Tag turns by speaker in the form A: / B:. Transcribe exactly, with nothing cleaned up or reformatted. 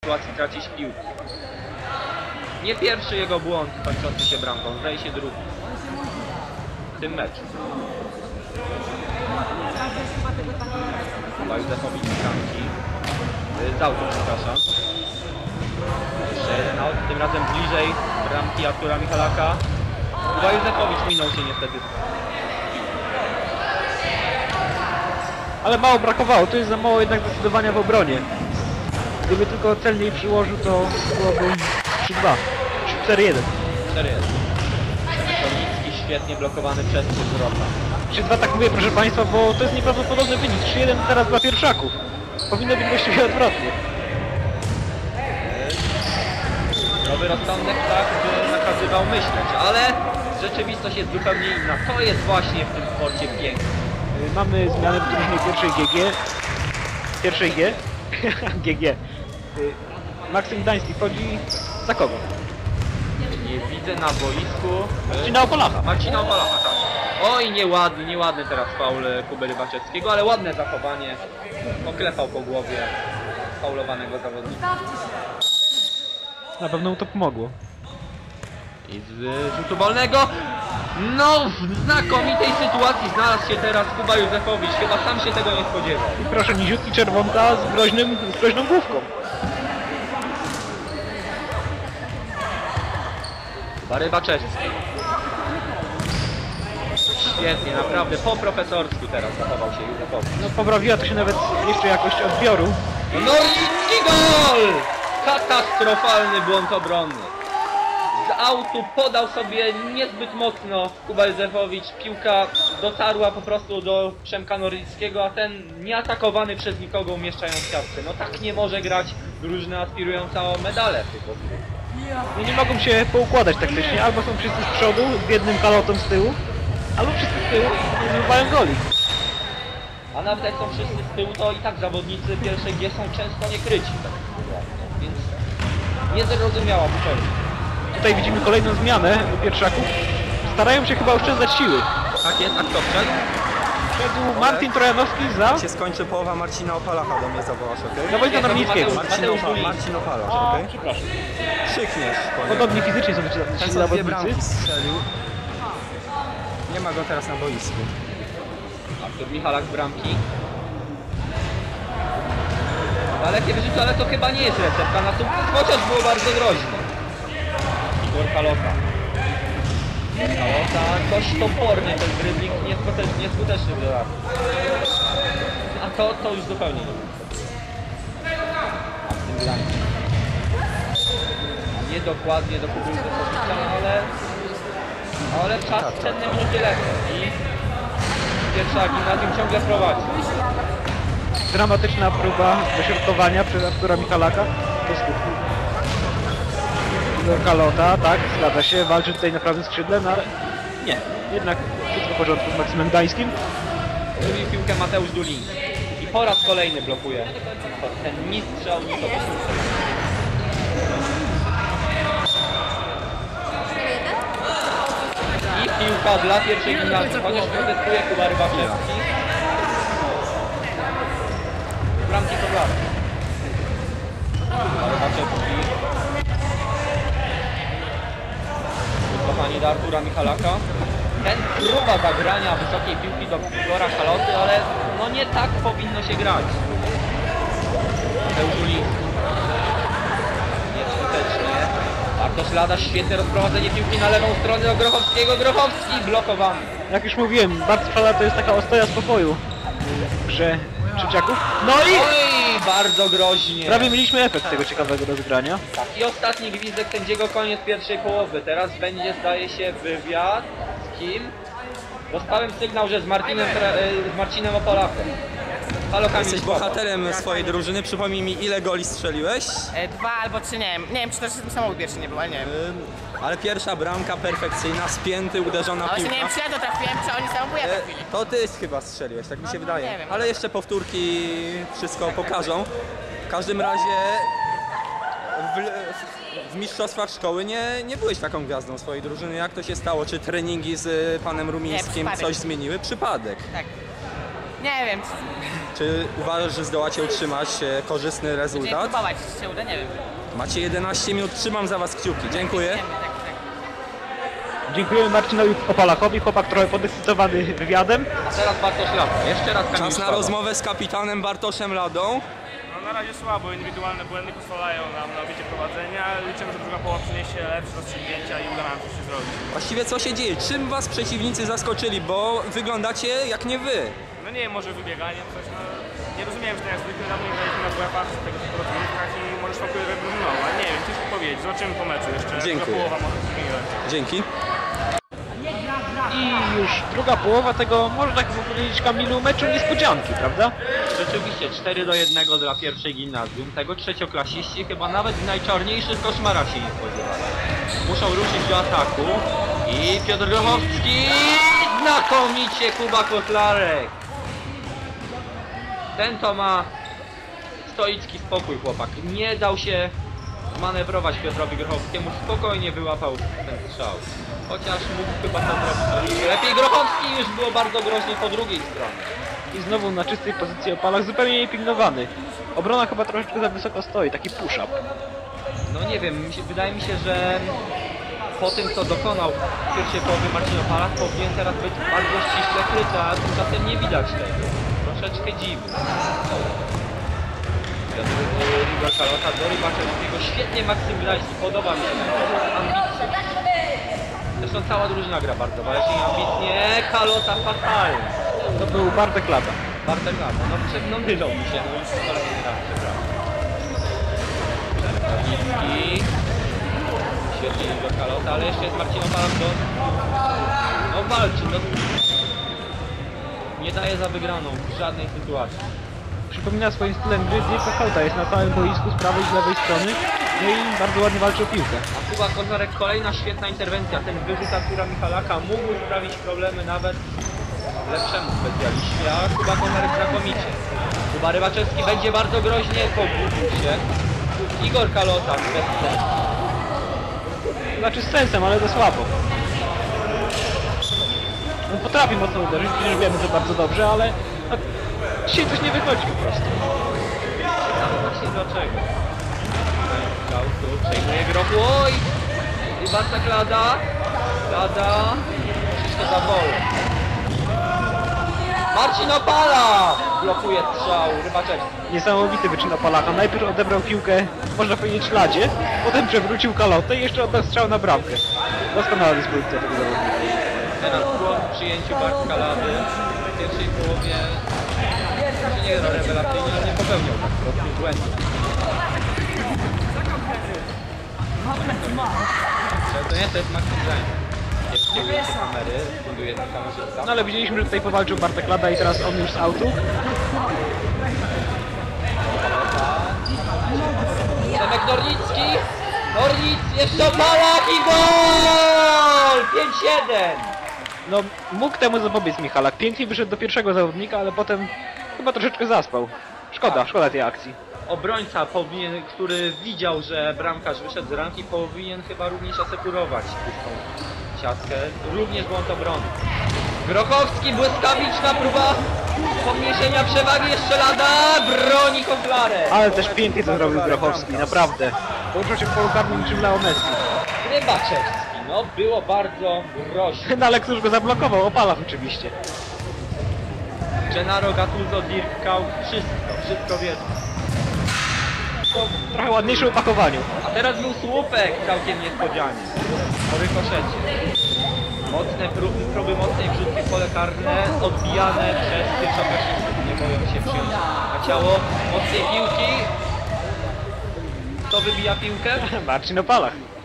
A: sytuacji tracić piłkę. Nie pierwszy jego błąd kończący się bramką, zdaje się drugi w tym meczu. Chyba Józefowicz z bramki. Z autu, przepraszam. Jeszcze jeden aut, tym razem bliżej bramki Artura Michalaka. Chyba Józefowicz minął się niestety.
B: Ale mało brakowało, to jest za mało jednak zdecydowania w obronie. Gdyby tylko celniej przyłożył, to byłoby trzy dwa, cztery jeden.
A: cztery jeden. Kornicki świetnie blokowany przez Wzrota.
B: trzy dwa tak mówię, proszę Państwa, bo to jest nieprawdopodobny wynik. trzy jeden teraz dla pierwszaków. Powinno być właściwie odwrotnie.
A: Nowy rozsądek tak by nakazywał myśleć, ale rzeczywistość jest zupełnie inna. To jest właśnie w tym sporcie piękne.
B: Mamy zmianę w drużynie pierwszej G G. Pierwszej G. G G. Maksym Gdański wchodzi za kogo?
A: Nie widzę na boisku
B: Marcina Opolacha.
A: Marcina Opolacha, tak. Oj, nieładny, nieładny teraz faul Kuby Rybaczewskiego, ale ładne zachowanie. Poklepał po głowie faulowanego zawodnika.
B: Na pewno mu to pomogło.
A: I z rzutu wolnego, no w znakomitej sytuacji znalazł się teraz Kuba Józefowicz. Chyba sam się tego nie spodziewał.
B: I proszę, niziutki czerwonka z, groźnym, z groźną główką.
A: Kuba Rybaczewski. Świetnie, naprawdę po profesorsku teraz zachował się Józefowicz.
B: No poprawiła to się nawet jeszcze jakość odbioru.
A: No i, i gol! Katastrofalny błąd obronny. Z autu podał sobie niezbyt mocno Kuba Józefowicz. Piłka dotarła po prostu do Przemka Norlickiego, a ten nieatakowany przez nikogo umieszczają w siatce. No tak nie może grać drużyna aspirująca o medale w tych rozgrywkach.
B: No nie mogą się poukładać taktycznie. Albo są wszyscy z przodu z jednym kalotą z tyłu, albo wszyscy z tyłu i nie zdobywają goli.
A: A nawet jak są wszyscy z tyłu, to i tak zawodnicy pierwszej G są często niekryci. Więc niezrozumiała zupełnie.
B: Tutaj widzimy kolejną zmianę u pierwszaków. Starają się chyba oszczędzać siły.
A: Tak jest, a kto wszedł?
B: Wszedł Marcin Trojanowski za...
C: Jak się skończy połowa, Marcina Opalacha do mnie zawołasz, okej?
B: No Wojtka
A: Nie, to
B: Nornickiego.
A: Mateusz-
C: Marcin,
A: Mateusz
C: Opa
A: Gulik.
C: Marcin Opalacz,
B: A,
C: okej?
B: przepraszam.
C: Krzykniesz po niego.
B: Podobnie fizycznie są ci
C: Ten
B: ci
C: co dwie
B: zawodnicy.
C: bramki strzelił. Nie ma go teraz na boisku.
A: Artur Michalak z bramki. Dalekie wyrzuty, ale to chyba nie jest recepta na sukces, chociaż było bardzo groźne. Igor Kalota. Kalota dość toporny ten dribbling, nieskuteczny, nieskuteczny dla. A to, to już zupełnie nie było. A w tym Gdańsku. Niedokładnie do Kuby Józefowicza, ale... Ale czas cenne minuty lecą i pierwsza gimnazjum ciągle prowadzi.
B: Dramatyczna próba dośrodkowania przez Artura Michalaka do skutku. Igor Kalota, tak, zgadza się, walczy tutaj na prawym skrzydle, no ale nie, jednak wszystko w porządku z Maksymem Gdańskim.
A: Drugi piłkę Mateusz Duliński. I po raz kolejny blokuje ten ni strzał, ni to I piłka dla pierwszej gimnazjum, chociaż protestuje Kuba Rybaczewski. Bramki to dla. Kuba Rybaczewski. Wycofanie do Artura Michalaka. Ten próba zagrania wysokiej piłki do Igora Kaloty, ale no nie tak powinno się grać. Mateusz Uliński. Nieskutecznie. Bartosz Lada, świetne rozprowadzenie piłki na lewą stronę do Grochowskiego. Grochowski blokowany.
B: Jak już mówiłem, Bartosz Lada to jest taka ostoja spokoju w grze Trzeciaków. No i
A: Oj, bardzo groźnie.
B: prawie mieliśmy efekt tego ciekawego rozegrania.
A: Tak, i ostatni gwizdek sędziego, koniec pierwszej połowy. Teraz będzie, zdaje się, wywiad. Z kim? Dostałem sygnał, że z Marcinem, z Marcinem Opolachem. Halo, Kamil
C: Jesteś
A: Słaba.
C: bohaterem swojej drużyny. Przypomnij mi, ile goli strzeliłeś?
D: E, dwa albo trzy, nie wiem. Nie wiem, czy też samochód pierwszy nie był, ale nie wiem.
C: Ym, Ale pierwsza bramka perfekcyjna, spięty, uderzona
D: Ale
C: piłka.
D: nie wiem, czy ja to trafiłem, czy oni samobójnie
C: E,
D: trafili.
C: To ty chyba strzeliłeś, tak mi się
D: No,
C: wydaje.
D: nie wiem.
C: Ale jeszcze powtórki wszystko pokażą. W każdym razie w, w, w mistrzostwach szkoły nie, nie byłeś taką gwiazdą swojej drużyny. Jak to się stało? Czy treningi z panem Rumińskim
D: przypadek.
C: coś zmieniły? Przypadek.
D: Tak. Nie wiem, czy...
C: Czy uważasz, że zdołacie utrzymać e, korzystny
D: Będziemy
C: rezultat?
D: próbować, czy się uda, nie wiem.
C: Macie jedenaście minut, trzymam za was kciuki. Dziękuję.
D: Wiemy, tak, tak.
B: Dziękujemy Marcinowi Opalakowi, chłopak trochę podekscytowany wywiadem.
A: A teraz Bartosz Lata. Jeszcze raz Kamil
C: Czas na
A: Szkoda.
C: rozmowę z kapitanem Bartoszem Ladą.
E: No na razie słabo, indywidualne błędy pozwalają nam na obicie prowadzenia. Liczymy, że druga połowa przyniesie lepsze rozstrzygnięcia i uda nam coś się zrobić.
C: Właściwie co się dzieje? Czym was przeciwnicy zaskoczyli? Bo wyglądacie jak nie wy.
E: No nie wiem, może wybieganie, coś, no nie rozumiem, że tak jak zwykle dawno nie graliśmy na W F-ach w tego typu rozgrywkach i może smakuje wybrunął, ale nie wiem, ciężko powiedzieć, zobaczymy po meczu jeszcze.
C: Dziękuję.
E: Druga połowa może się zmienić.
C: Dzięki.
B: I już druga połowa tego, można tak powiedzieć Kamilu, meczu niespodzianki, prawda?
A: Rzeczywiście cztery do jednego dla pierwszej gimnazjum. Tego trzecioklasiści chyba nawet w najczarniejszych koszmarach się nie spodziewali. Muszą ruszyć do ataku. I Piotr Grochowski! Znakomicie Kuba Kotlarek! Ten to ma stoicki spokój, chłopak. Nie dał się manewrować Piotrowi Grochowskiemu. Spokojnie wyłapał ten strzał. Chociaż mógł chyba to zrobić lepiej. Grochowski już było bardzo groźnie po drugiej stronie.
B: I znowu na czystej pozycji Opalach, zupełnie niepilnowany. Obrona chyba troszeczkę za wysoko stoi, taki push-up.
A: No nie wiem, mi się, wydaje mi się, że po tym co dokonał w pierwszej połowie Marcin Opalak powinien teraz być bardzo ściśle kryty, a tymczasem nie widać tego. Troszeczkę dziwne. Igor Kalota do Rybaczewskiego, świetnie Maksymiliański, podoba mi się ambitnie. Zresztą cała drużyna gra bardzo walcznie i ambitnie. Kalota fatalnie.
B: To był Bartek Lata.
A: Bartek Lata, no prze- no mylą mi się, no już kolejny raz przepraszam. Kawicki. Świetnie Igor Kalota, ale jeszcze jest Marcin Opalak do... No walczy, no... Nie daje za wygraną w żadnej sytuacji.
B: Przypomina swoim stylem gry Dirka Kauta, jest na całym boisku z prawej i z lewej strony. No i bardzo ładnie walczy o piłkę.
A: A Kuba Kozarek, kolejna świetna interwencja. Ten wyrzut Artura Michalaka mógł sprawić problemy nawet lepszemu specjaliście, a Kuba Kozarek znakomicie. Kuba Rybaczewski będzie bardzo groźnie, pobudził się. Igor Kalota bez sensu.
B: Znaczy z sensem, ale to słabo. On potrafi mocno uderzyć, przecież wiemy to bardzo dobrze, ale no, dzisiaj coś nie wychodzi po prostu.
A: Ale właśnie dlaczego? Skautu przejmuje grochu. Oj! I Bartek Lada. Lada. Wszystko za wolę. Marcin Opala! Blokuje strzał Rybaczewski.
B: Niesamowity wyczyn Opalaka. Najpierw odebrał piłkę, można powiedzieć, Ladzie, potem przewrócił Kalotę i jeszcze oddał strzał na bramkę. Doskonała dyspozycja tego zawodnika.
A: Teraz błąd w przyjęciu Bartka Lady. W pierwszej połowie może nie gra rewelacyjnie, ale nie popełniał tak prostych błędów. To nie, to jest Maxim Zain. Jest kieruje się kamery, funduje ten kamerzysta.
B: No ale widzieliśmy, że tutaj powalczył Bartek Lada i teraz on już z autu.
A: Przemek Nornicki. Nornic, jeszcze Opalak i gol! pięć jeden!
B: No mógł temu zapobiec Michalak. Pięknie wyszedł do pierwszego zawodnika, ale potem chyba troszeczkę zaspał. Szkoda, szkoda tej akcji.
A: Obrońca powinien, który widział, że bramkarz wyszedł z ramki, powinien chyba również asekurować pustą siatkę. Również błąd obrony. Grochowski, błyskawiczna próba pomniejszenia przewagi, jeszcze Lada, broni Kozlarek.
B: Ale też pięknie to zrobił Grochowski, naprawdę. Poruszał się w polu karnym niczym Leo Messi.
A: Rybaczewski, no było bardzo groźnie.
B: No ale któż go zablokował? Opalach oczywiście.
A: Gennaro Gattuso, Dirk Kuyt, wszystko, wszystko wiedzą.
B: W trochę ładniejszym opakowaniu.
A: A teraz był słupek całkiem niespodzianie. Po rykoszecie. Mocne próby, próby mocnej wrzutki w pole karne, odbijane przez pierwszoklasistów. Nie boją się przyjąć na ciało mocnej piłki. Kto wybija piłkę?
B: Marcin Opalach.